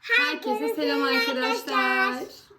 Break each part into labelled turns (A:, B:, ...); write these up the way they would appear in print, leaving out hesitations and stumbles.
A: Herkese selam arkadaşlar.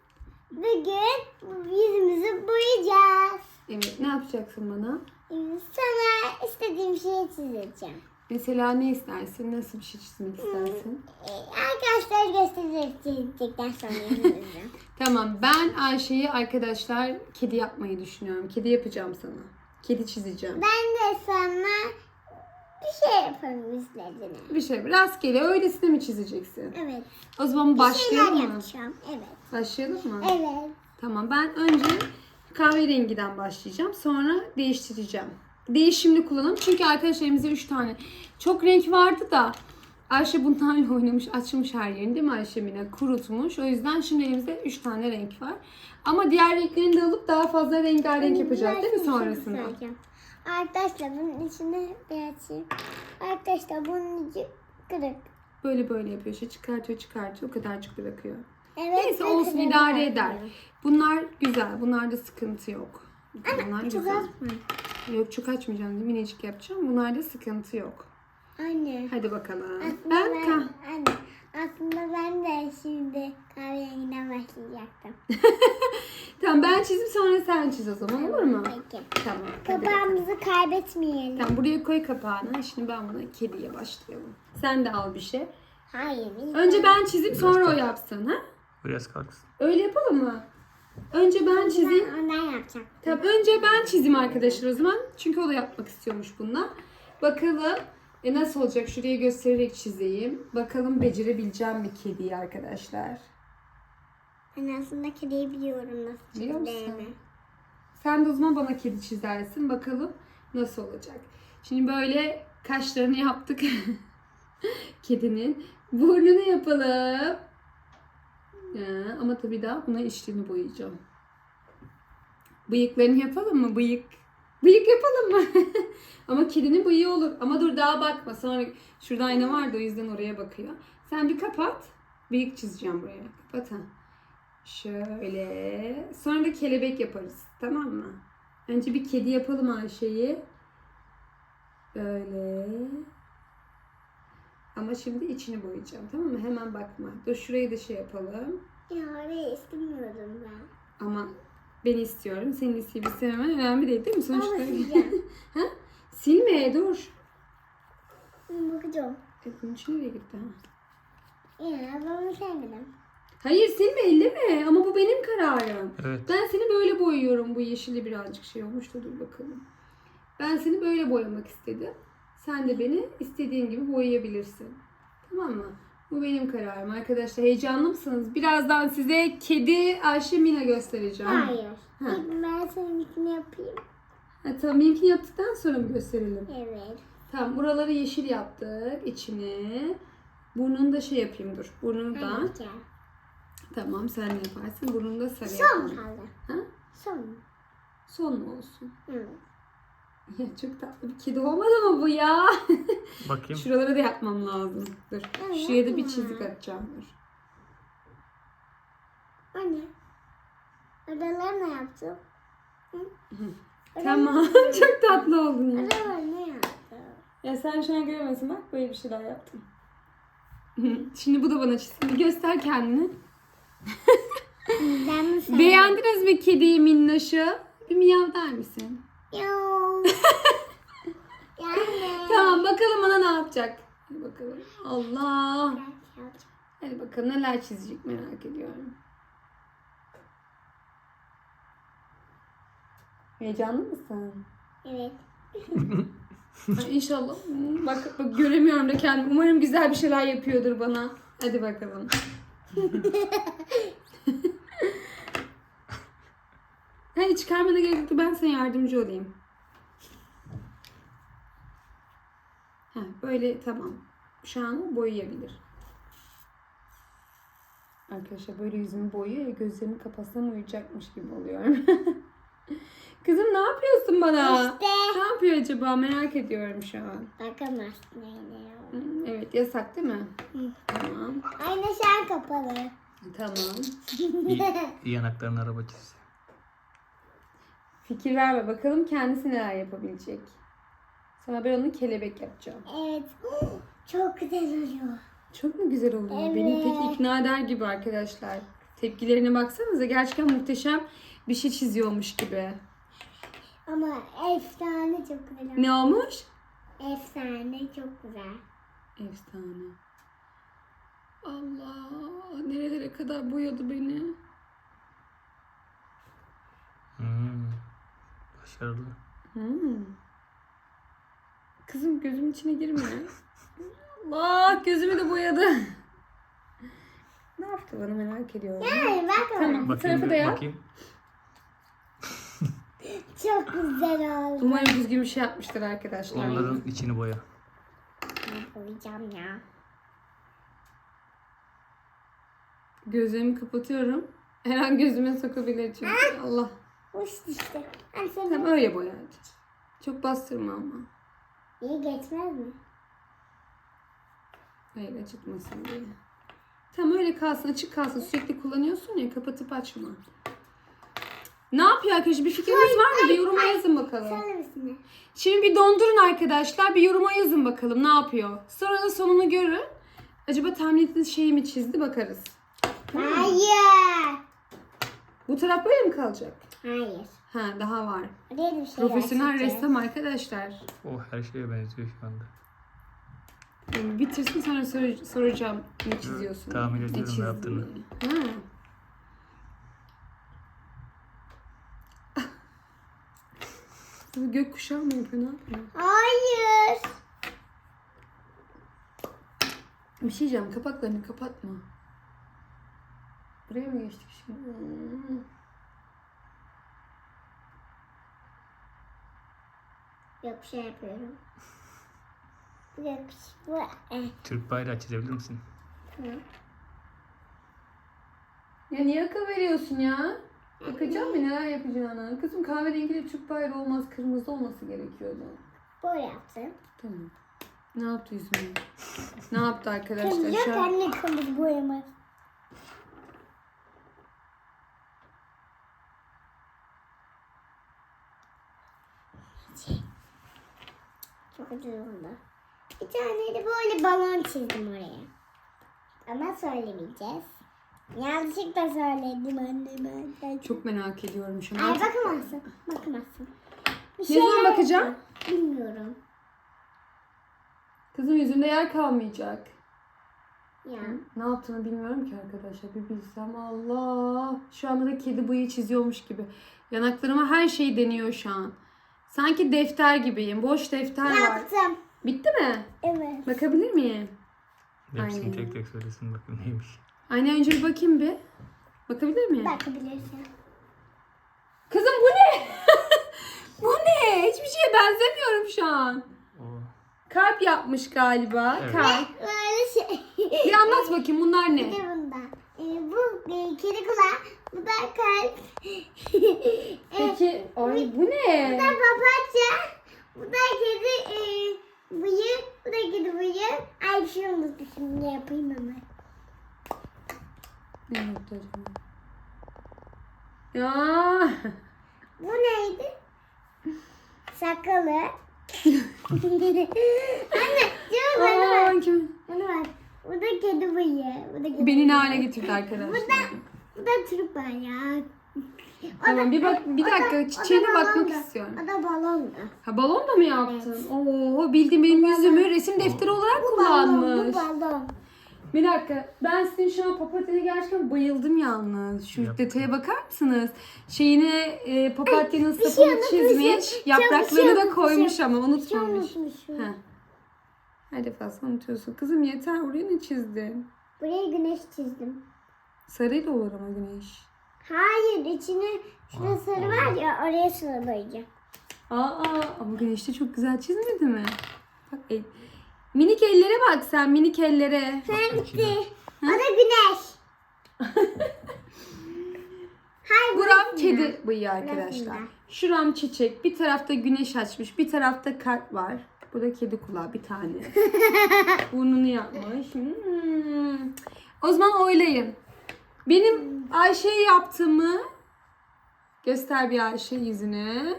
B: Bugün yüzümüzü boyayacağız.
A: Evet, ne yapacaksın bana?
B: Sana istediğim şeyi çizeceğim.
A: Mesela ne istersin? Nasıl bir şey çizmek istersin?
B: Arkadaşlar çizecekten sonra yüzümüzü.
A: Tamam, ben Ayşe'yi arkadaşlar kedi yapmayı düşünüyorum. Kedi yapacağım sana. Kedi çizeceğim.
B: Ben de sana bir şey yaparım yüzlerine.
A: Bir şey rastgele öylesine mi çizeceksin?
B: Evet.
A: O zaman
B: Bir şeyler
A: başlayalım mı?
B: yapacağım. Evet.
A: Başlayalım mı?
B: Evet.
A: Tamam, ben önce kahverengiden başlayacağım. Sonra değiştireceğim. Değişimli kullanalım. Çünkü arkadaşlar elimizde 3 tane. Çok renk vardı da Ayşe bunlarla oynamış, açmış her yerini değil mi Ayşe Mine? Kurutmuş. O yüzden şimdi elimizde 3 tane renk var. Ama diğer renklerini de alıp daha fazla rengarenk yapacağız değil mi sonrasında?
B: Arkadaşlar bunun içine bir açayım. Arkadaşlar bunun içi kırık.
A: Böyle yapıyor. Şey çıkartıyor. O kadarcık bırakıyor.
B: Evet,
A: Neyse olsun, idare eder. Bunlar güzel. Bunlarda sıkıntı yok. Bunlar
B: Çok
A: güzel.
B: az mı?
A: Yok, çok açmayacağım. Minicik yapacağım. Bunlarda sıkıntı yok.
B: Anne.
A: Hadi bakalım.
B: Aslında ben de şimdi kahverenginden başlayacaktım.
A: Tamam, ben çizim sonra sen çiz o zaman, olur mu?
B: Peki.
A: Tamam. hadi bakalım.
B: Kapağımızı kaybetmeyelim.
A: Tamam, buraya koy kapağını. Şimdi ben buna kediye başlayalım. Sen de al bir şey.
B: Hayır.
A: Önce ben çizip sonra o yapsın, ha?
C: Biraz kalksın.
A: Öyle yapalım mı? Önce ben çizeyim.
B: Ben ondan yapacağım.
A: Tamam, önce ben çizeyim arkadaşlar o zaman. Çünkü o da yapmak istiyormuş bundan. Bakalım nasıl olacak? Şuraya göstererek çizeyim. Bakalım becerebileceğim mi kediyi arkadaşlar?
B: Ben aslında kediyi biliyorum nasıl
A: Biliyor musun?
B: çizdiğimi.
A: Sen de o zaman bana kedi çizersin. Bakalım nasıl olacak. Şimdi böyle kaşlarını yaptık. Kedinin. Burnunu yapalım. Ya, ama tabii daha buna içlerini boyayacağım. Bıyıklarını yapalım mı? Bıyık yapalım mı? Ama kedinin bıyığı olur. Ama dur, daha bakma. Sonra şurada ayna vardı, o yüzden oraya bakıyor. Sen bir kapat. Bıyık çizeceğim buraya. Kapat ha. Şöyle. Sonra da kelebek yaparız. Tamam mı? Önce bir kedi yapalım Ayşe'yi. Böyle. Ama şimdi içini boyayacağım. Tamam mı? Hemen bakma. Dur, şurayı da şey yapalım.
B: Ya orayı istemiyorum ben.
A: Ama ben istiyorum. Senin isteyip istememen önemli değil mi? Sonuçta.
B: Ama sileceğim.
A: Ha? Silme, dur.
B: Bakacağım.
A: Bunun için nereye gitti ha?
B: Ya ben sevmedim.
A: Hayır, silme, elleme. Ama bu benim kararım.
C: Evet.
A: Ben seni böyle boyuyorum. Bu yeşili birazcık şey olmuş da dur bakalım. Ben seni böyle boyamak istedim. Sen de beni istediğin gibi boyayabilirsin. Tamam mı? Bu benim kararım arkadaşlar. Heyecanlı mısınız? Birazdan size kedi Ayşe Mina göstereceğim.
B: Hayır.
A: Ha.
B: Ben seninkini yapayım.
A: Ha, tamam, benimkini yaptıktan sonra mı gösterelim?
B: Evet.
A: Tamam, buraları yeşil yaptık. İçini. Burnunu da şey yapayım, dur. Burnunu da.
B: Hadi.
A: Tamam, sen de yaparsın. Burnunu da sarı
B: Son
A: yapalım.
B: kaldı.
A: Ha?
B: Son.
A: Son mu olsun?
B: Evet.
A: Ya çok tatlı bir kedi olmadı mı bu ya?
C: Bakayım.
A: Şuraları da yapmam lazım. Dur.
B: Evet,
A: Şuraya da bir
B: yapma.
A: çizik atacağım. Dur.
B: Anne. Oralar ne yaptın?
A: Tamam. Çok tatlı oldun ya.
B: Oralar ne yaptın?
A: Ya sen şu an göremezsin, bak böyle bir şeyler yaptım. Şimdi bu da bana çizsin. Bir göster kendini.
B: Ben mi sen?
A: Beğendiniz mi kediyi minnoşu? Bir miyav der misin?
B: Yok. Yani.
A: Tamam, bakalım bana ne yapacak. Hadi bakalım. Allah. Hadi bakalım neler çizecek, merak ediyorum. Heyecanlı mısın?
B: Evet.
A: Ay, İnşallah. Bak göremiyorum da kendimi. Umarım güzel bir şeyler yapıyordur bana. Hadi bakalım. Hayır, çıkarmana gerek yok. Ben sana yardımcı olayım. Böyle tamam. Şu an boyayabilir. Arkadaşlar böyle yüzümü boyuyor ya, gözlerimi kapatsam uyuyacakmış gibi oluyorum. Kızım, ne yapıyorsun bana?
B: İşte.
A: Ne yapıyor acaba, merak ediyorum şu an.
B: Bakamazsın yine.
A: Evet, yasak değil mi?
B: Hı.
A: Tamam.
B: Ayna şu an kapalı.
A: Tamam.
C: Yanaklarına araba çiz.
A: Fikir verme bakalım kendisi neler yapabilecek. Sana ben onu kelebek yapacağım.
B: Evet. Çok güzel oluyor.
A: Çok mu güzel oluyor? Beni
B: Evet.
A: pek ikna eder gibi arkadaşlar. Tepkilerine baksanıza. Gerçekten muhteşem bir şey çiziyormuş gibi.
B: Ama efsane çok güzel.
A: Ne olmuş?
B: Efsane çok güzel.
A: Efsane. Allah, nerelere kadar boyadı beni.
C: Başarılı.
A: Kızım gözümün içine girme. Allah, gözümü de boyadı. Ne yaptı bana merak ediyorum.
B: Yani bak ama
A: Tamam, bu tarafı da yap.
C: bakayım.
B: çok güzel oldu.
A: Umarım düzgün bir şey yapmıştır arkadaşlar.
C: Onların içini boya.
B: Ben koyacağım ya.
A: Gözlerimi kapatıyorum. Her an gözüme sokabilir çünkü. Allah.
B: Uçtu işte. Hani sen
A: Tamam, öyle boya hadi. Çok bastırma ama.
B: iyi geçmez mi?
A: Hayır, acıtmasın diye. Tamam, öyle kalsın, açık kalsın. Sürekli kullanıyorsun ya, kapatıp açma. Ne yapıyor arkadaşlar? Bir fikriniz var mı? Bir yoruma yazın bakalım.
B: Söyle misin?
A: Şimdi bir dondurun arkadaşlar. Bir yoruma yazın bakalım ne yapıyor. Sonra da sonunu görün. Acaba tahmin ettiğiniz şeyi mi çizdi, bakarız.
B: Hayır.
A: Bu taraf böyle mi kalacak?
B: Hayır.
A: Ha, daha var.
B: Oraya da bir şey
A: Profesyonel
B: yazacağız.
A: ressam arkadaşlar.
C: O her şeye benziyor şu anda.
A: Yani bitirsin, sonra soracağım ne çiziyorsun.
C: tahmin
A: ne
C: ediyorum ne
A: çizdin
C: yaptığını.
A: diye. Ha. Bu gökkuşağı mı yapıyor, ne yapıyor?
B: Hayır.
A: Bir şey diyeceğim, kapaklarını kapatma. Buraya mı geçtik şimdi?
B: Yok bir şey yapıyorum. Yok bu.
C: Türk bayrağı çizebilir misin?
B: Tamam.
A: Ya niye akıl veriyorsun ya? Bakacağım mı neler yapacağına? Kızım, kahverengi Türk bayrağı olmaz, kırmızı olması gerekiyordu.
B: Böyle yaptım.
A: Tamam. Ne yaptı yüzüme? Ne yaptı arkadaşlar?
B: Kırmızı
A: Şu an...
B: anne kırmızı boyamaz. Çok güzel oldu. Bir tane de böyle balon çizdim oraya. Ama söylemeyeceğiz. Yanlışlıkla söyledim anneme.
A: Çok merak ediyorum şu an.
B: Ay bakamazsın. Bakamazsın. Bir
A: Ne
B: şeyler
A: zaman bakacağım?
B: yaptım. Bilmiyorum.
A: Kızım, yüzünde yer kalmayacak.
B: Ya.
A: Ne yaptığını bilmiyorum ki arkadaşlar. Bir bilsem, Allah. Şu anda da kedi bıyığı çiziyormuş gibi. Yanaklarıma her şeyi deniyor şu an. Sanki defter gibiyim. Boş defter var.
B: Yaptım.
A: Bitti mi?
B: Evet.
A: Bakabilir miyim?
C: Hepsini
A: Aynen.
C: tek tek söylesin bakayım neymiş.
A: Aynen, önce bir bakayım bir. Bakabilir miyim?
B: Bakabilirsin.
A: Kızım, bu ne? Bu ne? Hiçbir şeye benzemiyorum şu an.
C: O
A: Kalp yapmış galiba.
C: Evet.
A: Kalp.
B: Böyle şey.
A: Bir anlat bakayım, bunlar
B: Bir
A: ne?
B: de bunda. Bu kedi kulağı. Bu da kalp.
A: Peki, ay bu
B: Bu da
A: ne?
B: papatya. Bu da kedi bıyık. Bu da kedi bıyık. Ay bir şey unuttum. Şimdi yapayım hemen.
A: Ne yaptı acaba? Ya.
B: Bu neydi? Sakalı. Anne, canım bana
A: Aa,
B: bak.
A: kim?
B: Bana bak. Bu da kedi bıyığı. Bu da kedi
A: Beni ne
B: bıyığı.
A: hale getirdi arkadaşlar?
B: Bu da Türk bayrağı.
A: Tamam, bir bak, bir dakika, çiçeğine bakmak istiyorum.
B: O da balondu.
A: Ha, balon da mı yaptın? Oo, bildiğin benim yüzümü resim defteri olarak kullanmış.
B: Bu balon.
A: Bir dakika, ben sizin şu an papatya'ya gerçekten bayıldım yalnız. Şu
C: Yap.
A: detaya bakar mısınız? Şeyine papatyanın
B: bir şey
A: sapını
B: unutmuşum.
A: çizmiş,
B: Bir
A: yapraklarını
B: şey
A: da
B: unutmuşum.
A: koymuş ama
B: Bir şey
A: unutmamış.
B: unutmuşum.
A: Heh. Her defasında unutuyorsun. Kızım yeter, oraya ne çizdin?
B: Buraya güneş çizdim.
A: Sarıyla olur ama güneş.
B: Hayır, içine şurada sarı var ya, oraya sarı boyayacağım.
A: Aa, ama güneş de çok güzel çizmedi mi? Bak, minik ellere bak sen, minik ellere.
C: içine.
B: O da güneş. Hayır,
A: Buram
B: burası
A: kedi
B: ya.
A: bıyığı arkadaşlar.
B: Burasında.
A: Şuram çiçek. Bir tarafta güneş açmış. Bir tarafta kalp var. Bu da kedi kulağı bir tane. Burnunu yapmış. O zaman oylayın. Benim Ayşe'ye yaptığımı göster bir Ayşe yüzünü.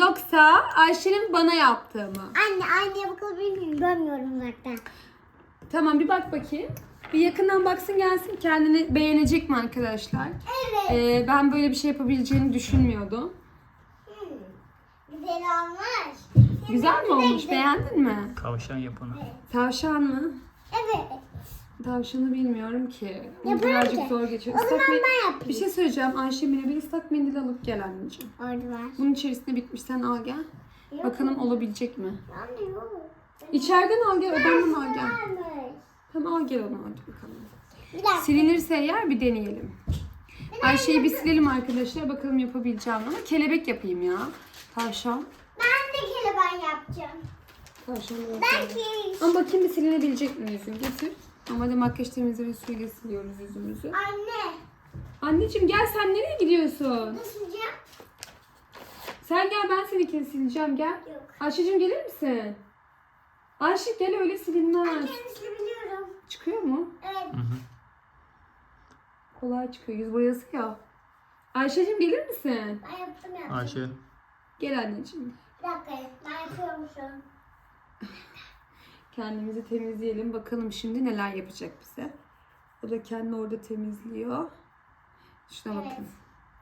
A: Yoksa Ayşe'nin bana yaptığı mı?
B: Anne, aynaya bakabilir miyim? Görmüyorum uzaktan.
A: Tamam bir bak bakayım. Bir yakından baksın gelsin. Kendini beğenecek mi arkadaşlar?
B: Evet.
A: Ben böyle bir şey yapabileceğini düşünmüyordum.
B: Güzel olmuş.
A: Güzel mi olmuş? Beğendin mi?
C: Tavşan yap onu.
A: Tavşan mı?
B: Evet.
A: Tavşanı bilmiyorum ki. Onu
B: Yaparım
A: birazcık
B: ki.
A: zor geçiyor.
B: O zaman
A: Islak
B: ben yapayım.
A: Bir şey söyleyeceğim. Ayşemine bir ıslak mendil alıp gel anneciğim.
B: Orada var.
A: Bunun içerisinde bitmiş. Sen al gel.
B: Yok.
A: Bakalım olabilecek mi?
B: Anne yok.
A: İçeriden al gel. Odandan al gel.
B: Varmış.
A: Tamam al gel onu hadi bakalım.
B: Bir dakika.
A: Silinirse eğer bir deneyelim. Ayşe'yi bir silelim arkadaşlar. Bakalım yapabileceğim ama kelebek yapayım ya. Tavşan.
B: Ben de kelebeği yapacağım.
A: Tavşan da yapalım.
B: Belki.
A: Ama bakayım bir silinebilecek mi yüzüm? Getir. Ama de makyaj temizleme suyuyla siliyoruz yüzümüzü.
B: Anne.
A: Anneciğim gel sen nereye gidiyorsun?
B: Nasıl yapacağım?
A: Sen gel ben seninkini sileceğim gel.
B: Yok.
A: Ayşe'cim gelir misin? Ayşe gel öyle silinmez.
B: Kendisini biliyorum.
A: Çıkıyor mu?
B: Evet.
C: Hı hı.
A: Kolay çıkıyor. Yüz boyası ya. Ayşe'cim gelir misin?
B: Ben yaptım.
C: Ayşe.
A: Gel anneciğim.
B: Bir dakika. Ben yapıyorum şu an.
A: Kendimizi temizleyelim. Bakalım şimdi neler yapacak bize. O da kendini orada temizliyor. Şuna
B: Evet.
A: bakın.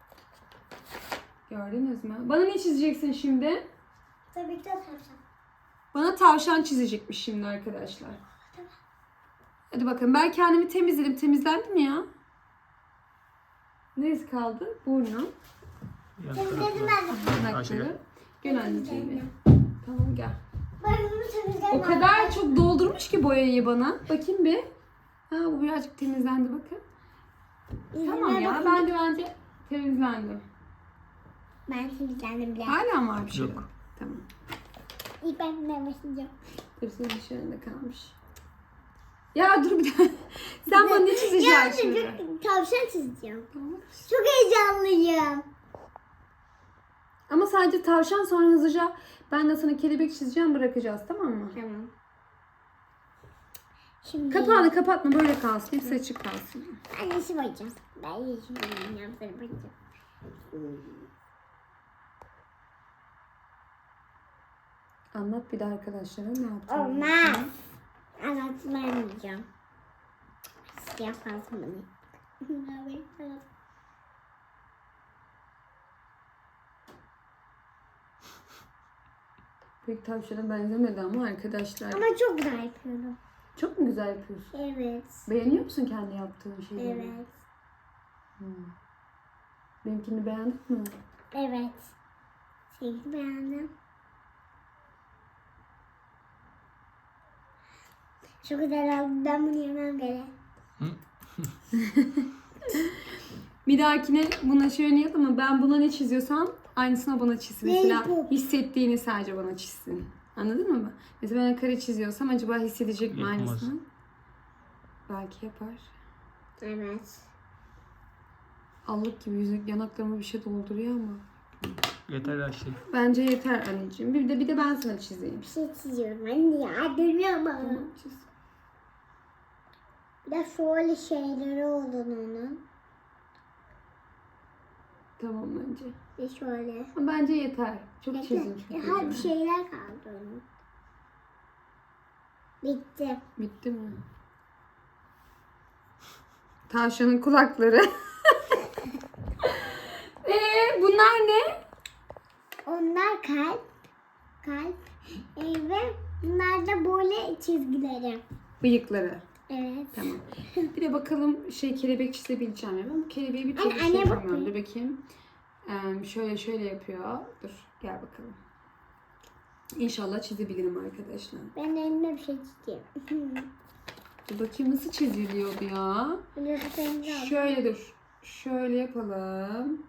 A: Gördünüz mü? Bana ne çizeceksin şimdi?
B: Tabii ki de tavşan.
A: Bana tavşan çizecekmiş şimdi arkadaşlar. Hadi bakın ben kendimi temizledim. Temizlendi mi ya? Neresi kaldı? Burnu.
C: Yan
B: Temizledim
C: tarafı.
B: ben de.
C: Ayşe
A: Yanakları.
C: gel.
A: Gel anneciğim. Tamam gel.
B: Ben bunu temizledim.
A: O kadar çok doldurmuş ki boyayı bana. Bakayım bir. Ha bu birazcık temizlendi bakın. Tamam ya bence temizlendi.
B: Ben temizlendim bile.
A: Hala var bir şey.
C: Yok.
A: Tamam.
B: İlk ben bundan başlayacağım.
A: Hepsi dışarında kalmış. Ya dur bir dakika. Sen bana ne çizeceksin şimdi?
B: Tavşan çizeceğim.
A: Tamam.
B: Çok heyecanlıyım.
A: Ama sadece tavşan sonra hızlıca ben de sana kelebek çizeceğim bırakacağız tamam mı?
B: Tamam. Şimdi
A: Kapağını kapatma böyle kalsın. Hepsi açık kalsın.
B: ben yeşil boyayacağım. Ben yeşil boyayacağım. Sarı boyayacağım.
A: Anlat bir de arkadaşlara ne yaptın?
B: Olmaz. Anlatmayacağım. Siyah kalsın bana.
A: Pek tavşana benzemedi ama arkadaşlar.
B: Ama çok güzel yapıyorum.
A: Çok mu güzel yapıyorsun?
B: Evet.
A: Beğeniyor musun kendi yaptığın şeyleri?
B: Evet.
A: Benimkini beğendin mi?
B: Evet. Seni beğendim. Çok güzel oldu. Ben bunu yemem gerek.
A: Bir dahakine buna şöyle yap ama ben buna ne çiziyorsam aynısını bana çizsin.
B: Ne
A: Mesela
B: bu?
A: hissettiğini sadece bana çizsin. Anladın mı? Mesela ben kare çiziyorsam acaba hissedecek mi
C: Yapamaz.
A: aynısını? Belki yapar.
B: Evet.
A: Allık gibi yüzük yanaklarıma bir şey dolduruyor ama.
C: Yeter Ayşe.
A: Bence yeter anneciğim. Bir de ben sana çizeyim.
B: Bir şey çiziyorum anne ya. Dönüyorum ama.
A: Tamam çiz.
B: Bir de şöyle şeyleri oldu onun.
A: Tamam bence.
B: Bir şöyle.
A: Ama bence yeter. Çok çizdim çünkü.
B: Hadi şeyler kaldı onun. Bitti.
A: Bitti mi? Tavşanın kulakları. Bunlar ne?
B: Onlar kalp. Kalp. Ve bunlar da böyle çizgileri.
A: Bıyıkları.
B: Evet.
A: Tamam. Bir de bakalım kelebek çizebileceğim ya. Ben bu kelebeği bir türlü
B: Anne, bak
A: yapamıyorum.
B: bir.
A: Dur bakayım. Şöyle yapıyor. Dur gel bakalım. İnşallah çizebilirim arkadaşlar.
B: Ben elime bir şey çizeceğim.
A: Dur bakayım nasıl çiziliyordu ya.
B: Bunu tutayım da.
A: Şöyle dur. Şöyle yapalım.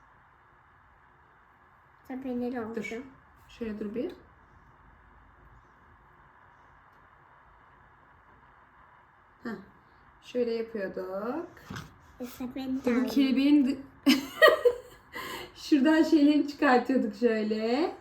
B: Sepeleri oldu.
A: Dur. Şöyle dur bir. Heh. Şöyle yapıyorduk.
B: Sepeni
A: Bu
B: de
A: kelebeğin şuradan şeyleri çıkartıyorduk şöyle.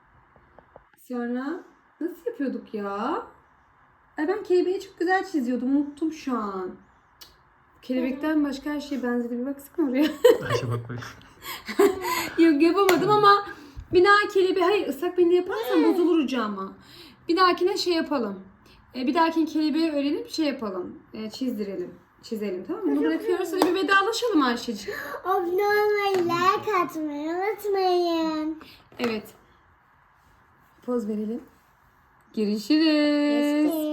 A: Sonra nasıl yapıyorduk ya? Ay ben kelebeği çok güzel çiziyordum. Unuttum şu an. Kelebekten başka her şeye benzedi. Bir baksana oraya.
C: Ayşe bak bak.
A: Yok yapamadım ama bir daha kelebeği... Hayır ıslak mendil yaparsan bozulur ucu ama. Bir dahakine yapalım. Bir dahaki kelebeği öğrenip şey yapalım. Çizdirelim. Çizelim, tamam mı? Bunu bırakıyoruz. Hadi bir vedalaşalım Ayşe'ciğim.
B: Abone olmayı, like atmayı unutmayın.
A: Evet. Poz verelim. Görüşürüz.